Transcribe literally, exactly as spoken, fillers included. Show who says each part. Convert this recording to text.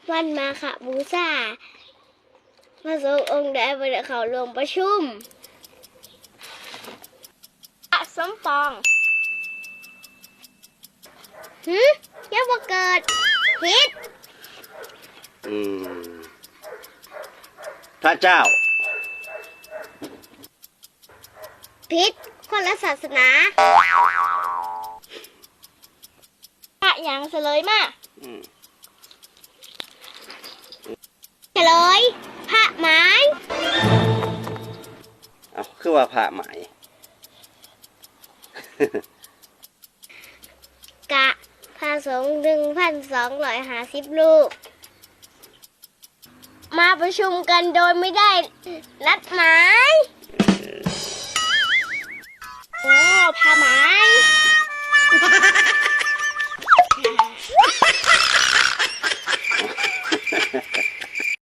Speaker 1: วันมาฆบูชาพระสงฆ์องค์ใดบ่ได้เข้าร่วมประชุมอะสมปองหืมยังบ่เกิดผิด
Speaker 2: อืมพระเจ้า
Speaker 1: ผิดคนละศาสนาพระอย่างเฉลยมาเฉลยพระหมาย
Speaker 2: เอาคือว่าพระหมาย
Speaker 1: กะพระสงฆ์หนึ่งพันสองร้อยห้าสิบรูปมาประชุมกันโดยไม่ได้นัดหมายโอ้พระหมาย